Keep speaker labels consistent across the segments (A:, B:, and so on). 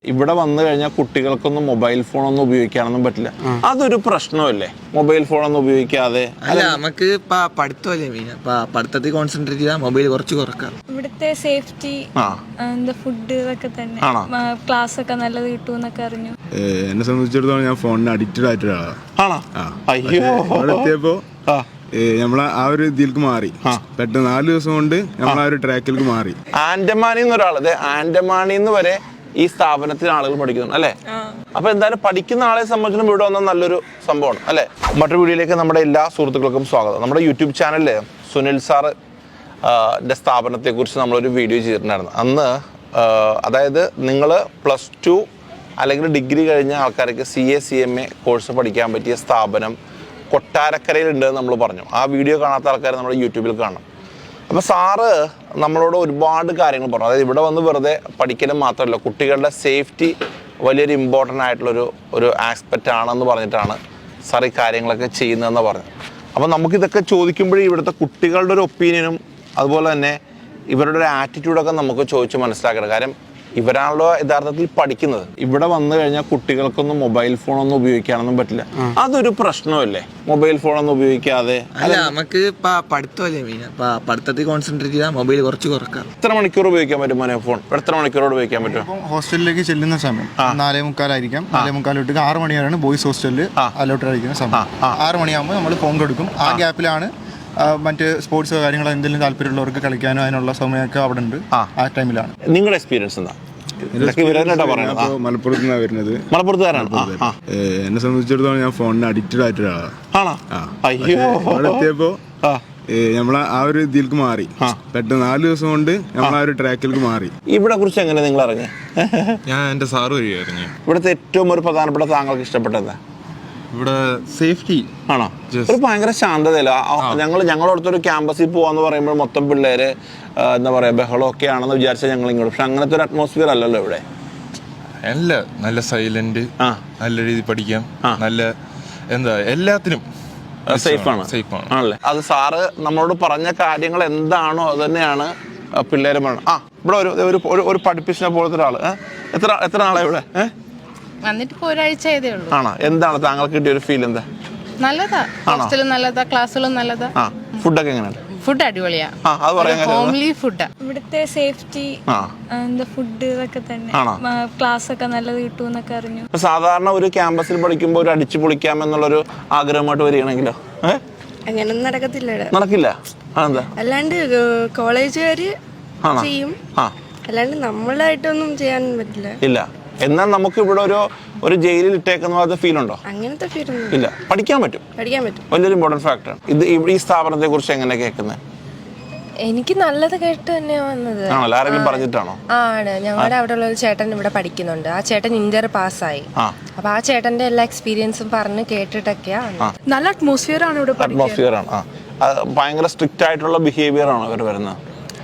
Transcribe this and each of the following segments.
A: ഇവിടെ വന്നു കഴിഞ്ഞാൽ കുട്ടികൾക്കൊന്നും മൊബൈൽ ഫോണൊന്നും ഉപയോഗിക്കാനൊന്നും പറ്റില്ല. അതൊരു പ്രശ്നമല്ലേ, മൊബൈൽ ഫോണൊന്നും ഉപയോഗിക്കാതെ?
B: അല്ല, നമുക്ക് പഠിത്തമല്ലേ മെയിൻ. പഠിത്തത്തിൽ കോൺസെൻട്രേറ്റ് ചെയ്താൽ മൊബൈൽ കുറച്ച് കുറക്കാം.
C: ഇവിടുത്തെ സേഫ്റ്റി, ഫുഡ് ഇതൊക്കെ തന്നെ, ക്ലാസ് ഒക്കെ നല്ലത് കിട്ടുമെന്നൊക്കെ അറിഞ്ഞു.
D: എന്നെ സംബന്ധിച്ചിടത്തോളം ഞാൻ ഫോണിന് അഡിക്റ്റഡ് ആയിട്ടൊരാളാണ്. എത്തിയപ്പോ നമ്മളെ ആ ഒരു ഇതിലേക്ക് മാറി. പെട്ടെന്ന് 4 ദിവസം കൊണ്ട് നമ്മൾ ആ ഒരു ട്രാക്കിലേക്ക് മാറി.
A: ആൻഡമാനിന്ന് ഒരാള്, ആൻഡമാനിന്ന് വരെ ഈ സ്ഥാപനത്തിൽ ആളുകൾ പഠിക്കുന്നു അല്ലേ? അപ്പൊ എന്തായാലും പഠിക്കുന്ന ആളെ സംബന്ധിച്ചും ഇവിടെ വന്ന നല്ലൊരു സംഭവമാണ് അല്ലേ? മറ്റൊരു വീഡിയോയിലേക്ക് നമ്മുടെ എല്ലാ സുഹൃത്തുക്കൾക്കും സ്വാഗതം. നമ്മുടെ യൂട്യൂബ് ചാനലില് സുനിൽ സാറിന്റെ സ്ഥാപനത്തെക്കുറിച്ച് നമ്മളൊരു വീഡിയോ ചെയ്തിട്ടുണ്ടായിരുന്നു. അന്ന് അതായത് നിങ്ങൾ +2 അല്ലെങ്കിൽ ഡിഗ്രി കഴിഞ്ഞ ആൾക്കാർക്ക് CA CMA കോഴ്സ് പഠിക്കാൻ പറ്റിയ സ്ഥാപനം കൊട്ടാരക്കരയിലുണ്ടെന്ന് നമ്മൾ പറഞ്ഞു. ആ വീഡിയോ കാണാത്ത ആൾക്കാർ നമ്മുടെ യൂട്യൂബിൽ കാണണം. അപ്പോൾ സാറ് നമ്മളോട് ഒരുപാട് കാര്യങ്ങൾ പറഞ്ഞു. അതായത് ഇവിടെ വന്ന് വെറുതെ പഠിക്കലും മാത്രമല്ല, കുട്ടികളുടെ സേഫ്റ്റി വലിയൊരു ഇമ്പോർട്ടൻ്റ് ആയിട്ടുള്ളൊരു ആസ്പെക്റ്റ് ആണെന്ന് പറഞ്ഞിട്ടാണ് സാർ ഈ കാര്യങ്ങളൊക്കെ ചെയ്യുന്നതെന്ന് പറഞ്ഞു. അപ്പോൾ നമുക്കിതൊക്കെ ചോദിക്കുമ്പോഴേ ഇവിടുത്തെ കുട്ടികളുടെ ഒരു ഒപ്പീനിയനും അതുപോലെ തന്നെ ഇവരുടെ ഒരു ആറ്റിറ്റ്യൂഡൊക്കെ നമുക്ക് ചോദിച്ച് മനസ്സിലാക്കണം. കാര്യം ഇവരാണല്ലോ യഥാർത്ഥത്തിൽ പഠിക്കുന്നത്. ഇവിടെ വന്നു കഴിഞ്ഞാൽ കുട്ടികൾക്കൊന്നും മൊബൈൽ ഫോണൊന്നും ഉപയോഗിക്കാനൊന്നും പറ്റില്ല. അതൊരു പ്രശ്നമല്ലേ, മൊബൈൽ ഫോണൊന്നും ഉപയോഗിക്കാതെ?
B: അല്ല, നമുക്ക് പഠിത്തമല്ലേ മെയിൻ. പഠിത്തത്തിൽ കോൺസെൻട്രേറ്റ് ചെയ്താൽ മൊബൈൽ കുറച്ച് കുറക്കാം.
A: എത്ര മണിക്കൂർ ഉപയോഗിക്കാൻ പറ്റും മോനെ ഫോൺ? എത്ര മണിക്കൂറോട് ഉപയോഗിക്കാൻ പറ്റും?
E: ഹോസ്റ്റലിലേക്ക് ചെല്ലുന്ന സമയം 4:45 ആയിരിക്കാം. 4:45 6 മണി വരെയാണ് ബോയ്സ് ഹോസ്റ്റലിൽ അലോട്ടഡ് ആയിരിക്കുന്ന സമയം. 6 മണിയാകുമ്പോൾ നമ്മൾ ഫോൺ കൊടുക്കും. ആ ഗ്യാപ്പിലാണ് മറ്റ് സ്പോർട്സ് കാര്യങ്ങളോ എന്തെങ്കിലും താല്പര്യമുള്ളവർക്ക് കളിക്കാനോ അതിനുള്ള സമയമൊക്കെ അവിടെ ഉണ്ട്. ആ ടൈമിലാണ്.
A: നിങ്ങളുടെ എക്സ്പീരിയൻസ് എന്താ?
D: മലപ്പുറത്തുനിന്നാണ് വരുന്നത്.
A: മലപ്പുറത്തുകാരാണ്.
D: എന്നെ സംബന്ധിച്ചിടത്തോളം ഞാൻ ഫോണിന് അഡിക്റ്റഡ് ആയിട്ടൊരാളാണ്. എത്തിയപ്പോ നമ്മളെ ആ ഒരു ഇതിലേക്ക് മാറി. പെട്ടെന്ന് 4 ദിവസം കൊണ്ട് നമ്മൾ ആ ഒരു ട്രാക്കിലേക്ക് മാറി.
A: ഇവിടെ കുറിച്ച് എങ്ങനെ നിങ്ങൾ അറിഞ്ഞു?
F: ഞാൻ എൻ്റെ സാറ് വഴി അറിഞ്ഞു.
A: ഇവിടുത്തെ ഏറ്റവും ഒരു പ്രധാനപ്പെട്ട താങ്കൾക്ക് ഇഷ്ടപ്പെട്ടത്
F: ഇവിടെ സേഫ്റ്റി
A: ആണോ? ഒരു ഭയങ്കര ശാന്തതയില്ല. ഞങ്ങളടുത്തൊരു ക്യാമ്പസിൽ പോവാന്ന് പറയുമ്പോൾ മൊത്തം പിള്ളേര് എന്താ പറയാ ബഹളമൊക്കെ ആണെന്ന് വിചാരിച്ചാൽ ഞങ്ങൾ ഇങ്ങോട്ട്, പക്ഷെ അങ്ങനത്തെ ഒരു അറ്റ്മോസ്ഫിയർ അല്ലല്ലോ ഇവിടെ.
F: നല്ല സൈലന്റ്, നല്ല രീതിയിൽ പഠിക്കാം, നല്ല എന്താ എല്ലാത്തിനും
A: സേഫാണ് ആണല്ലേ? അത് സാറ് നമ്മളോട് പറഞ്ഞ കാര്യങ്ങൾ എന്താണോ അത് തന്നെയാണ് പിള്ളേര് പറയണം. ഇവിടെ ഒരു പഠിപ്പിച്ച പോലത്തെ ഒരാള് എത്ര നാളെ ഇവിടെ
G: വന്നിട്ട് ഇപ്പോൾ ഒരാഴ്ച ആയതേ ഉള്ളൂ.
A: ആണോ? എന്താണ് താങ്കൾക്ക് കിട്ടിയ ഒരു ഫീൽ? എന്താ?
G: നല്ലതാ, ഹോസ്റ്റലും നല്ലതാ, ക്ലാസ്സുകളും നല്ലതാ.
A: ഫുഡൊക്കെ എങ്ങനെയാണ്?
G: ഫുഡ് അടിപൊളിയാ, ഹോംലി ഫുഡാ.
C: ഇവിടുത്തെ സേഫ്റ്റി, ഫുഡ് ഇതൊക്കെ തന്നെ, ക്ലാസ് ഒക്കെ നല്ലത് കിട്ടുമെന്നൊക്കെ അറിഞ്ഞു.
A: സാധാരണ ഒരു ക്യാമ്പസിൽ പഠിക്കുമ്പോൾ ഒരു അടിച്ചു പൊളിക്കാം എന്നുള്ളൊരു ആഗ്രഹമായിട്ട് വരികയാണെങ്കിലോ
H: അങ്ങനൊന്നും
A: നടക്കില്ല. അതെന്താ?
H: അല്ലാണ്ട് കോളേജുകാര് ചെയ്യും, അല്ലാണ്ട് നമ്മളായിട്ടൊന്നും ചെയ്യാൻ പറ്റില്ല.
A: ഇല്ല. എന്നാൽ നമുക്ക് ഇവിടെ ഒരു ജയിലിൽ ഇട്ടേക്കുന്ന ഫീൽ ഉണ്ടോ?
H: അങ്ങനത്തെ ഫീൽ
A: ഇല്ല. പഠിക്കാൻ പറ്റും. വലിയൊരു ഇമ്പോർട്ടന്റ് ഫാക്ടറാണ് ഇത്. ഈ സ്ഥാപനത്തെ കുറിച്ച് എങ്ങനെ കേൾക്കുന്നത്?
I: എനിക്ക് നല്ലത് കേട്ട് തന്നെയാ വന്നത്.
A: ആരെങ്കിലും പറഞ്ഞിട്ടാണോ?
I: ആണ്. ഞങ്ങളുടെ അവിടെ ഉള്ള ഒരു ചേട്ടൻ ഇവിടെ പഠിക്കുന്നുണ്ട്. ആ ചേട്ടൻ ഇന്റർ പാസ്സായി. അപ്പൊ ആ ചേട്ടന്റെ എല്ലാ എക്സ്പീരിയൻസും പറഞ്ഞ് കേട്ടിട്ടൊക്കെയാ.
C: നല്ല അറ്റ്മോസ്ഫിയർ ആണ് ഇവിടെ.
A: അറ്റ്മോസ്ഫിയർ ആണ്. ഭയങ്കര സ്ട്രിക്റ്റ് ആയിട്ടുള്ള ബിഹേവിയർ ആണോ ഇവർ വരുന്നത്?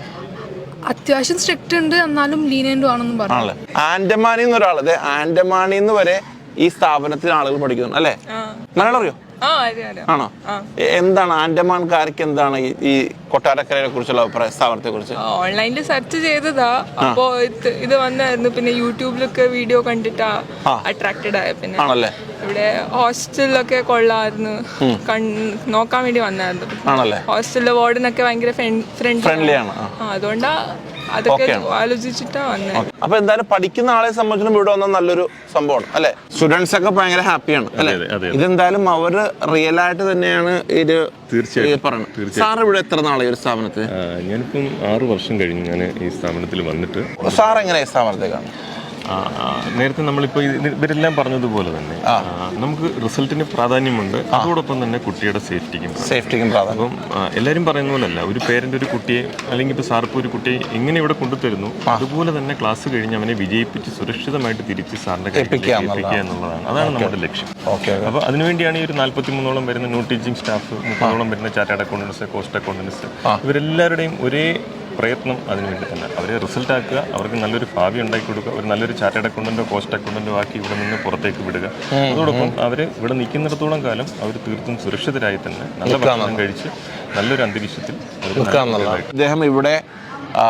C: അത്യാവശ്യം സ്ട്രിക്റ്റ് ഉണ്ട്, എന്നാലും ലീനിയന്റും ആണെന്നും പറഞ്ഞു.
A: ആൻഡമാനിന്ന് ഒരാള്, ആൻഡമാനിന്ന് വരെ ഈ സ്ഥാപനത്തിൽ ആളുകൾ പഠിക്കുന്നു അല്ലേ? മലയാളം അറിയോ? ആണോ? എന്താണ് ആൻഡമാൻകാർക്ക് എന്താണ് ഈ കൊട്ടാരക്കരയെ കുറിച്ചുള്ള അഭിപ്രായം, സ്ഥാപനത്തെ കുറിച്ച്?
J: ഓൺലൈനിൽ സെർച്ച് ചെയ്തതാ, അപ്പോ ഇത് വന്നായിരുന്നു. പിന്നെ യൂട്യൂബിലൊക്കെ വീഡിയോ കണ്ടിട്ടാ അട്രാക്റ്റഡ് ആയ. പിന്നെ
A: ആണല്ലേ?
J: ഇവിടെ ഹോസ്റ്റലിലൊക്കെ കൊള്ളായിരുന്നു, നോക്കാൻ വേണ്ടി വന്നായിരുന്നു.
A: ആണല്ലേ?
J: ഹോസ്റ്റലിലെ വാർഡനൊക്കെ ഭയങ്കര ഫ്രണ്ട്ലിയാണ്. അതുകൊണ്ടാ അതൊക്കെ ആലോചിച്ചിട്ടാ വന്നത്.
A: അപ്പൊ എന്തായാലും പഠിക്കുന്ന ആളെ സംബന്ധിച്ചും ഇവിടെ വന്ന നല്ലൊരു സംഭവമാണ് അല്ലെ? സ്റ്റുഡൻസ് ഒക്കെ ഭയങ്കര ഹാപ്പിയാണ് അല്ലെ? ഇതെന്തായാലും അവര് റിയൽ ആയിട്ട് തന്നെയാണ് ഇത് പറയുന്നത്. സാർ ഇവിടെ എത്ര നാളെ ഒരു സ്ഥാപനത്തിൽ?
K: ഞാനിപ്പം 6 വർഷം കഴിഞ്ഞു ഞാൻ ഈ സ്ഥാപനത്തിൽ വന്നിട്ട്.
A: സാർ എങ്ങനെയാ സ്ഥാപനത്തേക്കാണ്?
K: നേരത്തെ നമ്മളിപ്പോൾ ഇവരെല്ലാം പറഞ്ഞതുപോലെ തന്നെ നമുക്ക് റിസൾട്ടിന് പ്രാധാന്യമുണ്ട്, അതോടൊപ്പം തന്നെ കുട്ടിയുടെ സേഫ്റ്റിക്കും പ്രാധാന്യം. അപ്പം എല്ലാവരും പറയുന്ന പോലല്ല, ഒരു പേരൻ്റ് ഒരു കുട്ടിയെ അല്ലെങ്കിൽ ഇപ്പോൾ സാറിപ്പോൾ ഒരു കുട്ടിയെ എങ്ങനെ ഇവിടെ കൊണ്ടുതരുന്നു അതുപോലെ തന്നെ ക്ലാസ് കഴിഞ്ഞ് അവനെ വിജയിപ്പിച്ച് സുരക്ഷിതമായിട്ട് തിരിച്ച് സാറിൻ്റെ കയ്യിലേക്ക് എത്തിക്കുക എന്നുള്ളതാണ്. അതാണ് നമ്മുടെ ലക്ഷ്യം. അപ്പോൾ അതിനുവേണ്ടിയാണ് ഈ ഒരു 43ഓളം വരുന്ന നോൺ ടീച്ചിങ് സ്റ്റാഫ്, 30ഓളം വരുന്ന ചാർട്ടേഡ് അക്കൗണ്ടൻസ്, കോസ്റ്റ് അക്കൗണ്ടൻസ്, ഇവരെല്ലാവരുടെയും ഒരേ പ്രയത്നം അതിനുവേണ്ടി തന്നെ. അവരെ റിസൾട്ട് ആക്കുക, അവർക്ക് നല്ലൊരു ഭാവി ഉണ്ടാക്കി കൊടുക്കുക, ഒരു നല്ലൊരു ചാർട്ടേഡ് അക്കൗണ്ടന്റോ കോസ്റ്റ് അക്കൗണ്ടന്റോ ആക്കി ഇവിടെ നിന്ന് പുറത്തേക്ക് വിടുക. അതോടൊപ്പം അവർ ഇവിടെ നിൽക്കുന്നിടത്തോളം കാലം അവർ തീർത്തും സുരക്ഷിതരായി തന്നെ നല്ല ഭക്ഷണം കഴിച്ച് നല്ലൊരു അന്തരീക്ഷത്തിൽ.
A: അദ്ദേഹം ഇവിടെ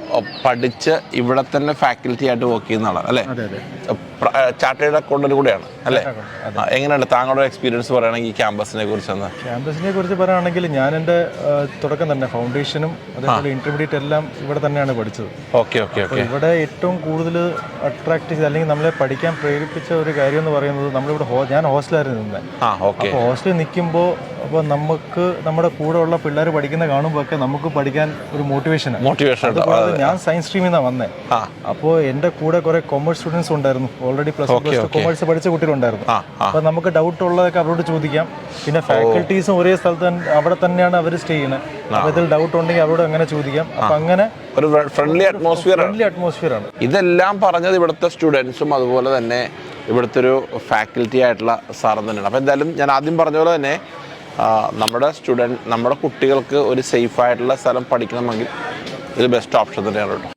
A: പഠിച്ച് ഇവിടെ തന്നെ ഫാക്കൽറ്റി ആയിട്ട് വർക്ക് ചെയ്യുന്ന ആളാണ് അല്ലേ? ചാർട്ടേഡ് അക്കൗണ്ടന്റ് കൂടെയാണ് അല്ലേ? എങ്ങനെയുണ്ട് താങ്കളുടെ എക്സ്പീരിയൻസ് പറയുകയാണെങ്കിൽ ഈ ക്യാമ്പസിനെ കുറിച്ചൊന്ന്?
L: ക്യാമ്പസിനെ കുറിച്ച് പറയുകയാണെങ്കിൽ ഞാൻ എൻ്റെ തുടക്കം തന്നെ ഫൗണ്ടേഷനും അതേപോലെ ഇന്റർമീഡിയറ്റ് എല്ലാം ഇവിടെ തന്നെയാണ് പഠിച്ചത്.
A: Okay okay okay.
L: ഇവിടെ ഏറ്റവും കൂടുതൽ അട്രാക്ട് ചെയ്ത് അല്ലെങ്കിൽ നമ്മളെ പഠിക്കാൻ പ്രേരിപ്പിച്ച ഒരു കാര്യം എന്ന് പറയുന്നത് നമ്മളിവിടെ ഞാൻ ഹോസ്റ്റലായിരുന്നു നിന്നത്. അപ്പോൾ ഹോസ്റ്റലിൽ നിൽക്കുമ്പോൾ അപ്പോൾ നമുക്ക് നമ്മുടെ കൂടെ ഉള്ള പിള്ളേർ പഠിക്കുന്ന കാണുമ്പോൾ ഒക്കെ നമുക്ക് പഠിക്കാൻ ഒരു മോട്ടിവേഷൻ. ഞാൻ സയൻസ് സ്ട്രീമിൽ നിന്നാണ് വന്നത്. അപ്പോൾ എൻ്റെ കൂടെ കുറെ കൊമേഴ്സ് സ്റ്റുഡൻസ് ഉണ്ടായിരുന്നു. ഓൾറെഡി പ്ലസ് കൊമേഴ്സ് പഠിച്ച കുട്ടികളുണ്ടായിരുന്നു. അപ്പോൾ നമുക്ക് ഡൗട്ട് ഉള്ളതൊക്കെ അവരോട് ചോദിക്കാം. പിന്നെ ഫാക്കൽറ്റീസും ഒരേ സ്ഥലത്ത് അവിടെ തന്നെയാണ് അവർ സ്റ്റേ ചെയ്യുന്നത്. അപ്പോൾ ഇതിൽ ഡൗട്ട് ഉണ്ടെങ്കിൽ അവരോട് അങ്ങനെ ചോദിക്കാം. അപ്പം അങ്ങനെ
A: ഒരു ഫ്രണ്ട്ലി
L: അറ്റ്മോസ്ഫിയർ ആണ്.
A: ഇതെല്ലാം പറഞ്ഞത് ഇവിടുത്തെ സ്റ്റുഡൻസും അതുപോലെ തന്നെ ഇവിടുത്തെ ഒരു ഫാക്കൽറ്റി ആയിട്ടുള്ള സാറും തന്നെയാണ്. അപ്പോൾ എന്തായാലും ഞാൻ ആദ്യം പറഞ്ഞ പോലെ തന്നെ നമ്മുടെ കുട്ടികൾക്ക് ഒരു സേഫ് ആയിട്ടുള്ള സ്ഥലം പഠിക്കണമെങ്കിൽ ഇത് ബെസ്റ്റ് ഓപ്ഷൻ തന്നെയാണ് കേട്ടോ.